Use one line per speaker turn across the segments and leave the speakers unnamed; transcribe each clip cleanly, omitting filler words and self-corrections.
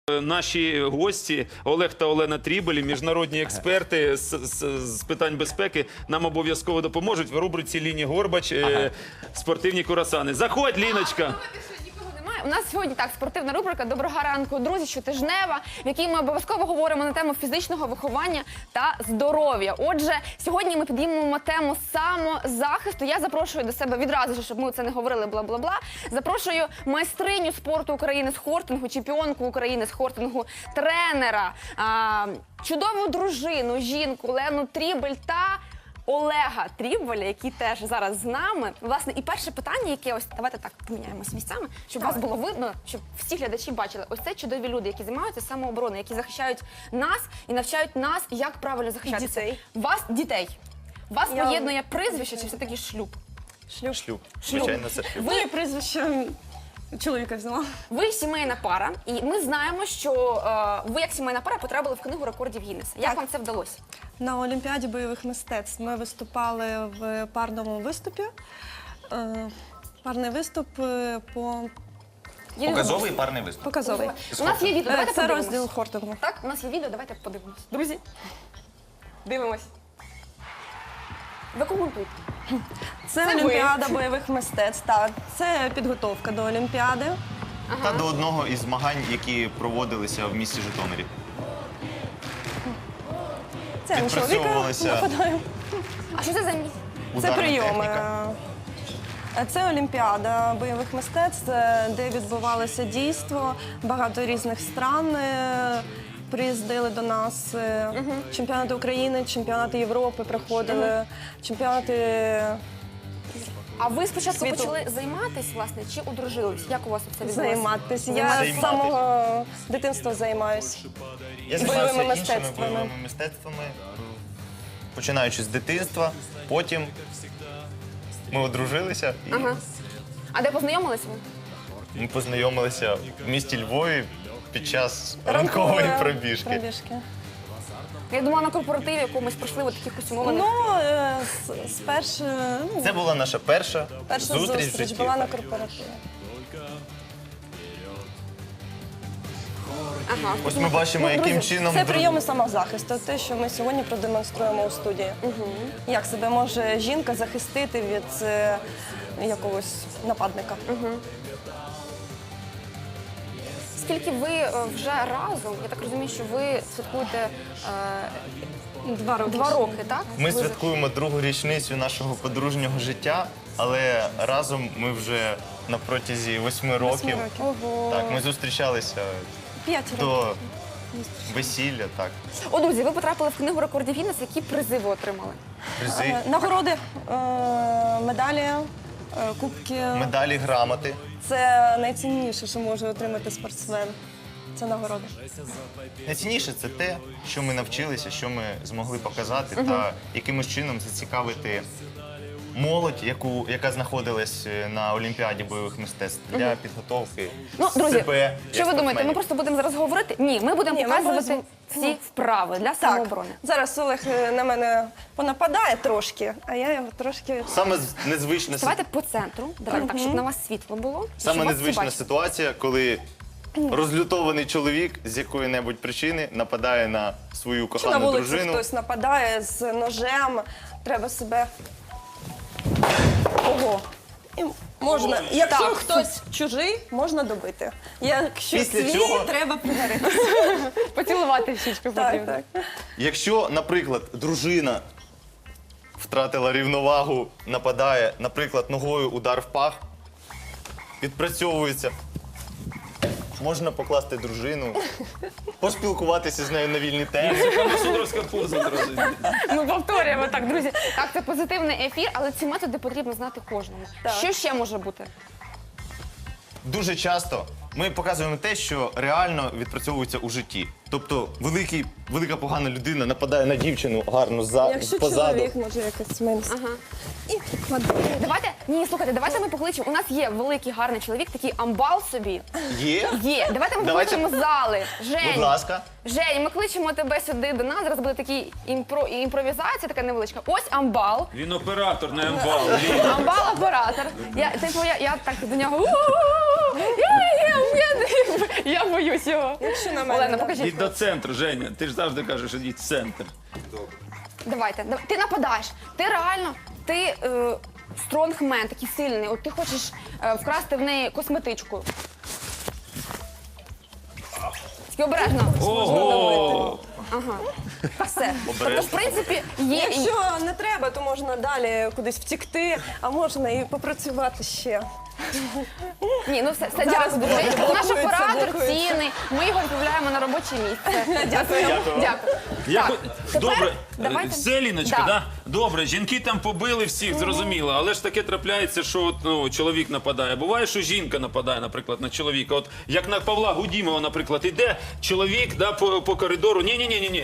Наші гості Олег та Олена Трібелі, міжнародні експерти з питань безпеки, нам обов'язково допоможуть в рубриці «Ліні Горбач» спортивні курасани. Заходь, Ліночка!
У нас сьогодні так спортивна рубрика «Доброго ранку, друзі», щотижнева, в якій ми обов'язково говоримо на тему фізичного виховання та здоров'я. Отже, сьогодні ми підіймемо тему самозахисту. Я запрошую до себе відразу, щоб ми це не говорили бла-бла-бла. Запрошую майстриню спорту України з хортингу, чемпіонку України з хортингу, тренера, чудову дружину, жінку Лену Трібель та Олега Трібеля, який теж зараз з нами. Власне, і перше питання, яке ось, давайте так поміняємось місцями, щоб вас було видно, щоб всі глядачі бачили. Ось це чудові люди, які займаються самообороною, які захищають нас і навчають нас, як правильно захищатися. Дітей. Вас поєднує прізвище чи все-таки шлюб?
Шлюб. Звичайно, це шлюб.
Ви прізвище чоловіка взяла.
Ви сімейна пара, і ми знаємо, що ви як сімейна пара потрапили в книгу рекордів Гіннеса. Як вам це вдалося?
На Олімпіаді бойових мистецтв ми виступали в парному виступі. Парний виступ по...
Показовий парний виступ.
Показовий.
У нас є відео, давайте
Це
подивимось.
розділ хортингу.
Так, у нас є відео, давайте подивимось. Друзі, дивимось. Ви коментуйте.
Це Олімпіада бойових мистецтв. Так, це підготовка до Олімпіади.
Та до одного із змагань, які проводилися в місті Житомирі.
Це я на чоловіка
Відпрацьовувалися
нападаю.
А що це за місце?
Це
ударна
прийоми.
техніка.
Це Олімпіада бойових мистецтв, де відбувалося дійство. Багато різних стран приїздили до нас. Чемпіонати України, чемпіонати Європи проходили, чемпіонати
А ви спочатку
світу.
почали займатися, власне, чи одружились? Як у вас це відбулося?
займатися. Я з самого дитинства займаюся.
Я
бойовими
займався іншими
мистецтвами.
бойовими мистецтвами, починаючи з дитинства. Потім ми одружилися і
А де познайомилися ви?
ми познайомилися в місті Львові під час ранкової пробіжки.
Я думала, на корпоративі якомусь пройшли от таких ось умовних.
Спершу
Це була наша перша
перша
зустріч в
зустріч
житті.
була на корпоративі.
Ага.
Ось ми бачимо, яким чином...
Це прийоми самозахисту, те, що ми сьогодні продемонструємо у студії. Як себе може жінка захистити від якогось нападника.
Скільки ви вже разом, я так розумію, що ви святкуєте 2 роки, так?
Ми святкуємо другу річницю нашого подружнього життя, але разом ми вже на протязі 8 років.
Ого.
Так, ми зустрічалися
5 років.
до весілля, так.
О, друзі, ви потрапили в книгу рекордів Гіннеса. Які призи ви отримали?
Призи,
Нагороди, медалі, кубки.
медалі, грамоти.
Це найцінніше, що може отримати спортсмен. Це нагороди.
Найцінніше це те, що ми навчилися, що ми змогли показати та якимось чином зацікавити молодь, яка знаходилась на Олімпіаді бойових мистецтв для підготовки
Ну, друзі,
себе. як
що ви думаєте, ми
спортсменів.
просто будемо зараз говорити? Ні, ми будемо
Ні, ми
показувати
будемо-
ці вправи для
Так,
самооборони.
зараз Олег на мене понападає трошки, а я його трошки...
Саме незвична
Давайте по центру, давайте так, щоб на вас світло було. щоб
Саме
вас всі
незвична
бачили.
ситуація, коли розлютований чоловік з якої-небудь причини нападає на свою
Чи на
кохану
вулиці
дружину.
хтось нападає з ножем, треба себе... Ого. І можна, якщо
Так.
хтось чужий, можна добити. Якщо
Після
свій,
цього-
треба пригорити.
Поцілувати в щічку
Так,
потрібно.
так.
Якщо, наприклад, дружина втратила рівновагу, нападає, наприклад, ногою удар в пах, відпрацьовується, можна покласти дружину, поспілкуватися з нею на вільні теми.
Судорська поза одразу.
Ми повторюємо так, друзі. Так, це позитивний ефір, але ці методи потрібно знати кожному.
Так.
Що ще може бути?
Дуже часто ми показуємо те, що реально відпрацьовується у житті. Тобто велика погана людина нападає на дівчину гарно
Якщо
позаду.
чоловік може якось менше.
Ага.
І кладе.
Давайте, ні, слухайте, давайте ми покличемо. У нас є великий гарний чоловік, такий амбал собі.
Є?
Є. Давайте ми
Давайте.
покличемо з зали.
Будь
Жень,
ласка.
Жень, ми кличемо тебе сюди до нас. Зараз буде такий імпровізація, така невеличка. Ось амбал.
Він оператор, не амбал.
Амбал-оператор. Я так до нього. «У-у-у-у». Я боюсь його.
Якщо на мене.
Олена,
да.
покажіть.
Ідь до центру, Женя. Ти ж завжди кажеш, ідіть в центр.
Давайте, ти нападаєш. Ти реально, ти стронгмен, такий сильний. От ти хочеш вкрасти в неї косметичку. Тільки обережно.
Ого!
Все. Тобто, в принципі, є.
Якщо не треба, то можна далі кудись втікти, а можна і попрацювати ще.
Ні, ну все,
Зараз
дякую дуже.
блокується,
Наш оператор
блокується.
цінний. Ми його відправляємо на робоче місце.
Дякую.
Дякую.
Я
Так,
хо-
тепер
Добре,
давайте-
все, Ліночка,
Да.
да? Добре, жінки там побили всіх, зрозуміло, але ж таке трапляється, що от, ну, чоловік нападає. Буває, що жінка нападає, наприклад, на чоловіка. От як на Павла Гудімова, наприклад, іде чоловік да, по коридору. Ні.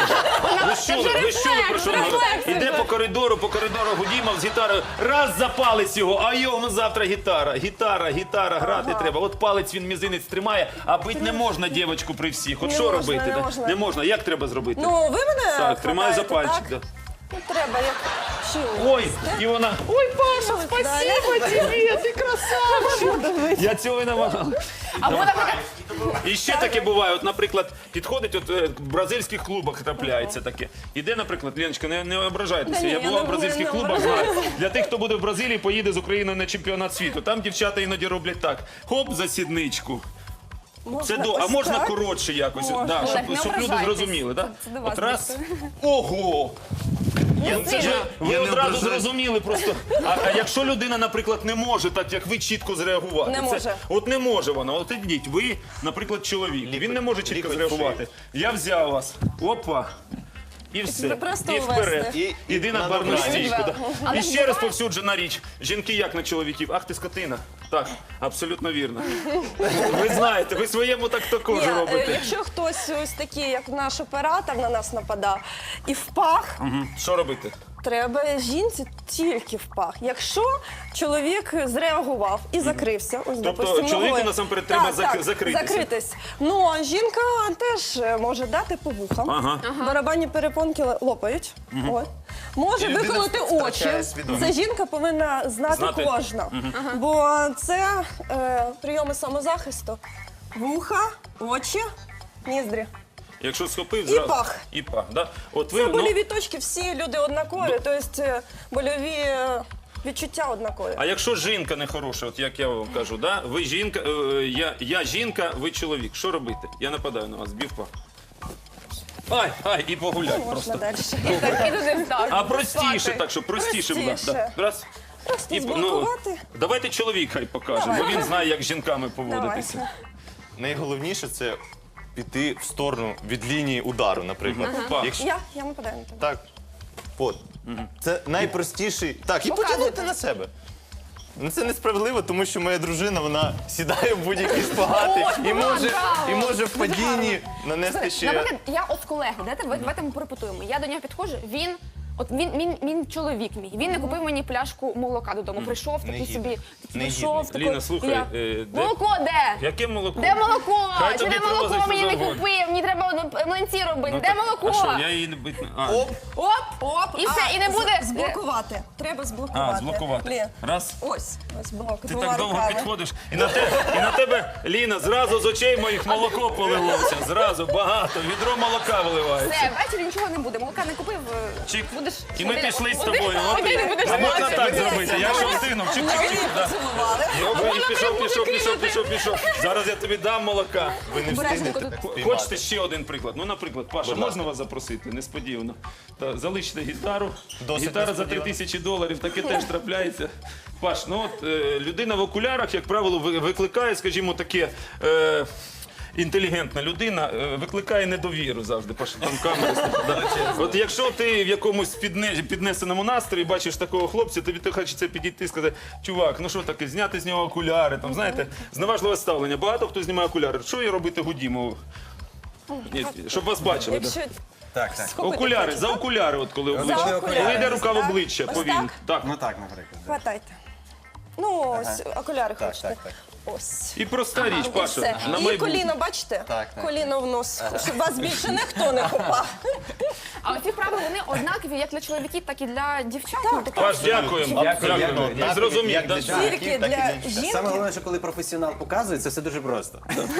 Ви чули, про що він говорить? Іде по коридору Гудімов з гітарою. Раз за палець його, а йому завтра гітара, грати треба. От палець він мізинець тримає, а бить не можна дівочку при всіх. От
Не
що
можна,
робити?
не
да?
можна.
Не можна. Як треба зробити?
Ну, ви мене
Так, тримаю за
хватаєте,
пальчик.
так?
Да.
Ну, треба, як чим.
Ой, і вона. Ой, Паша,
спасибо
тебе, ти красавчик. Я цього і намагав.
Або, наприклад,
І ще таке буває. От, наприклад, підходить, от в бразильських клубах трапляється таке. Іде, наприклад, Леночка, не ображайтеся.
Та ні,
Я
я
була
не
в бразильських
буду, не
клубах. Знаю. Для тих, хто буде в Бразилії, поїде з Україною на чемпіонат світу. Там дівчата іноді роблять так: хоп, за сідничку. Це до, а
ось
можна
так?
коротше якось,
Можна.
да,
Олег, не
щоб люди
ображайтесь.
зрозуміли. Да?
Це до вас
От раз.
більше.
Ого! Це ж ви
Я не
одразу
ображаюсь.
зрозуміли просто. А якщо людина, наприклад, не може так, як ви, чітко зреагувати?
Не
Це-
може.
От не може вона. От ідіть, ви, наприклад, чоловік. Він не може чітко
лікоть
зреагувати. Я взяв вас. Опа. І все.
Ви просто
І вперед.
увести.
Іди на
на
барну
добраніч.
стійку. да.
Але
І ще
буває-
розповсюджена річ. Жінки як на чоловіків? Ах ти скотина. Так, абсолютно вірно. Ви знаєте, ви своєму так також
Ні,
робите.
якщо хтось ось такий, як наш оператор на нас нападав, і в пах,
Що робити?
треба жінці тільки в пах. Якщо чоловік зреагував і закрився, ось
Тобто
допустим,
чоловіку
ногою.
насамперед треба закритися.
Закритись. Ну а жінка теж може дати по вухам.
Ага.
Барабанні перепонки лопають. От. Може
І людина
виколоти
втрачає
очі.
свідомість.
Це жінка повинна знати кожна. Бо це прийоми самозахисту. Вуха, очі, ніздрі.
Якщо схопив,
І
зразу.
пах.
І пах, да? От ви,
Це
ну,
больові точки, всі люди однакові, тобто больові відчуття однакові.
а якщо жінка нехороша, от як я вам кажу, да? Ви жінка, я жінка, ви чоловік. Що робити? Я нападаю на вас, бів пах. Ай, і погуляй
Можна
просто.
далі.
так, і туди так.
А простіше
спати.
так, щоб простіше було.
Простіше.
Да. Раз.
Просто
І,
зблокувати.
давайте чоловік хай покаже, бо він знає, як з жінками поводитися.
Давайте.
Найголовніше це піти в сторону від лінії удару, наприклад.
Пах.
Якщо
Я нападаю на тебе.
так, от. Це найпростіший. Так, і
Показуйте.
потягнути на себе. Ну це несправедливо, тому що моя дружина вона сідає в будь-які шпагати і може в падінні нанести ще.
Наприклад, я от з колегою, давайте ми порепетуємо. Я до нього підходжу, він чоловік мій. Він не купив мені пляшку молока додому. Прийшов такий
Негідний.
собі, прийшов
Негідний.
такий.
Ліна, слухай,
я,
де-
молоко де?
Яке молоко?
Де молоко?
Хай
Чи
тобі
де молоко
привозить,
мені
що
не
завгодно.
купив? Мені треба млинці робити.
Ну,
Де
так,
молоко?
А що, я її не бить. А,
Оп!
Оп, і все, і не буде.
Зблокувати. Треба зблокувати.
зблокувати.
Лін,
Раз.
ось блок.
Ти
двома
так довго
руками.
підходиш, і на тебе, Ліна, зразу з очей моїх молоко полилося. Зразу багато, відро молока виливається.
Все, ввечері нічого не буде. Молока не купив.
Чик.
Будеш
І ми
один-
пішли з
один-
тобою. От
один будеш
а можна
спати.
так зробити? Я що встигнув. Чик-чик-чик. да.
Поцілували.
Пішов. Зараз я тобі дам молока.
Ви не
Обережненько
встигнете
тут.
спіймати.
Хочете ще один приклад? Ну, наприклад, Паша, можна вас запросити? Несподівано. Залиште гітару.
Досить
Гітара за
несподівано.
$3000, таке теж трапляється. Паш, ну от людина в окулярах, як правило, викликає, скажімо, таке. Інтелігентна людина викликає недовіру завжди. Паша, там камери стоять, да. От якщо ти в якомусь піднесеному настрої бачиш такого хлопця, тобі хочеться підійти і сказати, чувак, ну що таке, зняти з нього окуляри, там, знаєте, зневажливе ставлення. Багато хто знімає окуляри. Що їй робити Гудімову? Ні, щоб вас бачили. да.
Якщо
Так.
схопити
Окуляри,
хочете,
за
так?
окуляри, от коли обличчя.
За окуляри.
Коли йде рука в
Так.
обличчя,
Ось
повільно.
так?
Так.
Ну так, наприклад. да.
Хватайте. Ну, ось окуляри
Так,
хочете.
так.
ось.
І проста річ,
І
Паша.
все.
На
І
майбутнє.
коліно, бачите?
Так.
Коліно в нос, щоб вас більше ніхто не хопав.
А оці вправи, вони однакові як для чоловіків, так і для дівчат. Ну, таке-
Паш, дякуємо. Дякуємо. Ми зрозуміли.
Як для
да.
чоловіків,
Тільки
так і
для
дівчат.
жінки.
Саме головне, що коли професіонал показує, це все дуже просто.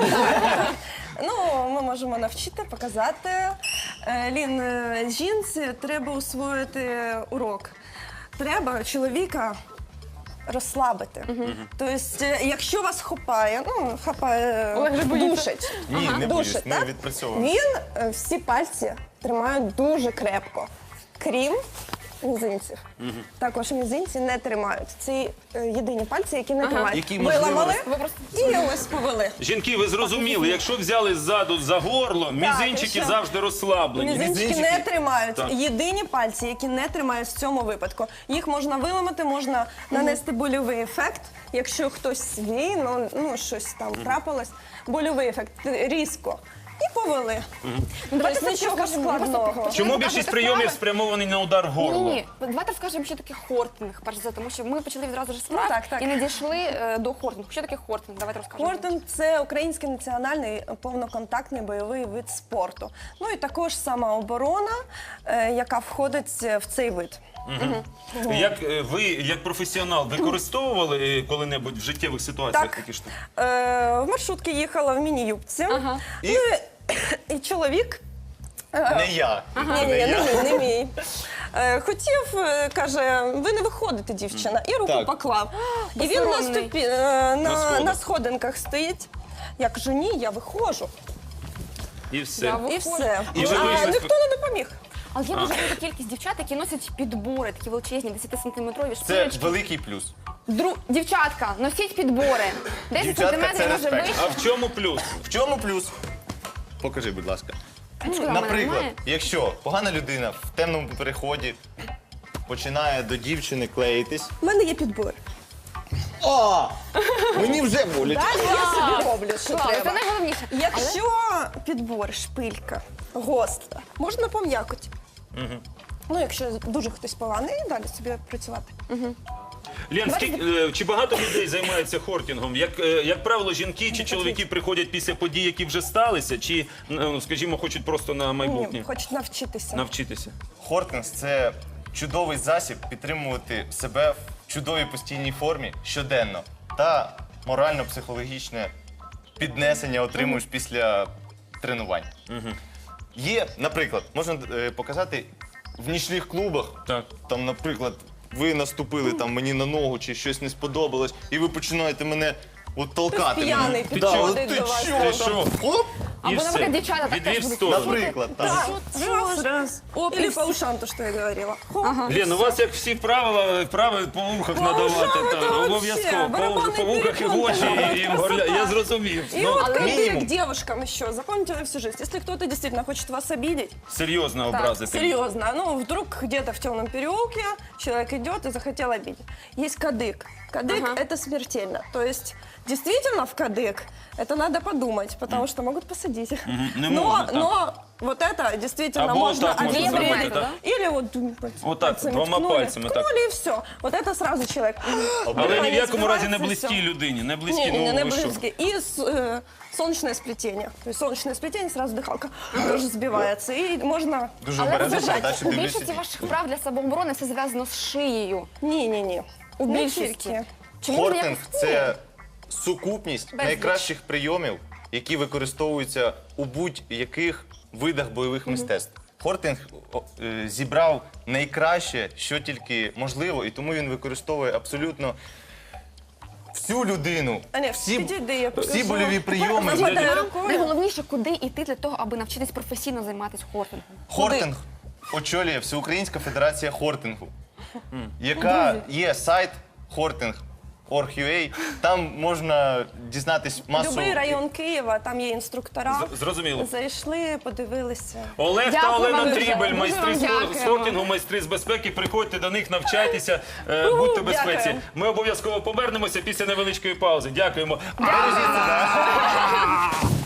Ну, ми можемо навчити, показати. Лін, жінці треба усвоїти урок. Треба чоловіка розслабити. Тобто, якщо вас хапає,
Олег же боїться.
душить.
Ні, не боюсь,
Душить,
ми
так?
відпрацьовуємо.
Він всі пальці тримає дуже крепко, крім мізинців. Також мізинці не тримають. Це єдині пальці, які не тримають.
Які, можливо,
Виламали
Ви просто
і ось повели.
Жінки, ви зрозуміли, якщо взяли ззаду за горло, мізинчики
і що?
завжди розслаблені.
Мізинчики не тримають.
Так.
Єдині пальці, які не тримають в цьому випадку. Їх можна виламати, можна нанести больовий ефект. Якщо хтось свій, ну щось там трапилось, больовий ефект різко. І повели.
Давайте
Тобто нічого
скажемо,
складного.
Чому більшість прийомів спрямовані на удар в горло?
Ні, давайте скажемо, що таке хортинг, перш за все, тому що ми почали відразу ж з вправ
так.
і не дійшли до хортингу. Що таке хортинг? Давайте розкажемо.
Хортинг – це український національний повноконтактний бойовий вид спорту. Ну і також самооборона, яка входить в цей вид.
Як ви, як професіонал, використовували коли-небудь в життєвих ситуаціях
Так.
такі штуки?
В маршрутці їхала в міні-юбці.
Ага.
І чоловік
Не я.
не мій. Хотів, каже, ви не виходите, дівчина, і руку
Так.
поклав. І він на,
Безсоромний.
на сходинках стоїть. Я кажу, ні, я виходжу.
І все.
Я
І все.
І ви
А
вийшли з-
ніхто не допоміг.
Але є дуже велика кількість дівчат, які носять підбори, такі величезні, 10-сантиметрові
Це
шпилечки.
великий плюс.
Дівчатка, носіть підбори. 10
Дівчатка,
сантиметрів
це
може
респект.
вище.
А в чому плюс?
В чому плюс? Покажи, будь ласка.
Ну, в мене
Наприклад,
немає.
якщо погана людина в темному переході починає до дівчини клеїтись.
У мене є підбор.
О! Мені вже болить.
Далі я собі роблю, що
Клас, це
треба.
найголовніше.
Якщо підбор, шпилька, гостра, можна пом'якоть. Ну, якщо дуже хтось поганий, далі собі працювати.
Лен, чи багато людей займаються хортингом? Як правило, жінки чи чоловіки приходять після подій, які вже сталися, чи, ну, скажімо, хочуть просто на майбутнє
Ні, хочуть навчитися.
навчитися?
Хортинг – це чудовий засіб підтримувати себе в чудовій постійній формі щоденно та морально-психологічне піднесення отримуєш після тренувань. Є, наприклад, можна показати в нічних клубах,
Так.
там, наприклад, ви наступили там мені на ногу чи щось не сподобалось, і ви починаєте мене от толкати.
П'яний
мене. Да,
підходить
от ти
до вас.
що?
Ти що?
Оп!
І
Або,
все.
наприклад, дівчата так
Відвів
теж
в
будуть.
сторону.
Наприклад, так.
Раз. Или по ушам, то, что я говорила. Хоп.
Лен, у вас як всі вправи по вухах
По
надавати.
ушам
так,
це
обов'язково.
вообще
По вухах і в
барабанний
очі, і
перепон,
горля. Я
красота.
зрозумів.
И
Ну,
вот кадык
минимум.
девушкам еще. Запомните на всю жизнь. Если кто-то действительно хочет вас обидеть,
серйозно образити.
серьезно, ну вдруг где-то в темном переулке человек идет и захотел обидеть. Есть кадык. Кадык это смертельно. То есть действительно в кадык это надо подумать, потому что могут посадить.
не можно так.
Но вот это действительно
Або
можно
так можна
обидеть.
зробити, так?
Или вот
Вот так,
пальцами
двома
ткнули,
пальцами, так.
ткнули, и все. Вот это сразу человек.
Але ні в якому разі не
Збивається,
близькій
все.
людині. Не близькій,
Не,
ну ви що?
близкие. И солнечное сплетение. То есть солнечное сплетение, сразу дыхалка тоже сбивается. И можно...
Дуже
Але
обережно,
зважайте,
далі
у
дивлюся.
більшості ваших вправ для самооборони все зв'язано з шиєю.
Не-не-не. У
Не
більшості.
тільки. Чому
Хортинг
ніяких-
– це сукупність
Безліч.
найкращих прийомів, які використовуються у будь-яких видах бойових мистецтв. Хортинг зібрав найкраще, що тільки можливо, і тому він використовує абсолютно всю людину,
А не,
всі
підійди, я покажу.
всі больові прийоми.
Замотаю рукою.
Найголовніше, куди йти для того, аби навчитись професійно займатися хортингом.
Хортинг очолює Всеукраїнська федерація хортингу, яка є сайт Horting.org.ua. Там можна дізнатись масу.
Любий район Києва, там є інструктора.
Зрозуміло.
Зайшли, подивилися.
Олег та
Дякую
Олена
вам дуже.
Трібель,
Дуже
майстри
вам
з
дякуємо.
хортингу, майстри з безпеки. Приходьте до них, навчайтеся, будьте в безпеці.
Дякую.
Ми обов'язково повернемося після невеличкої паузи. Дякуємо.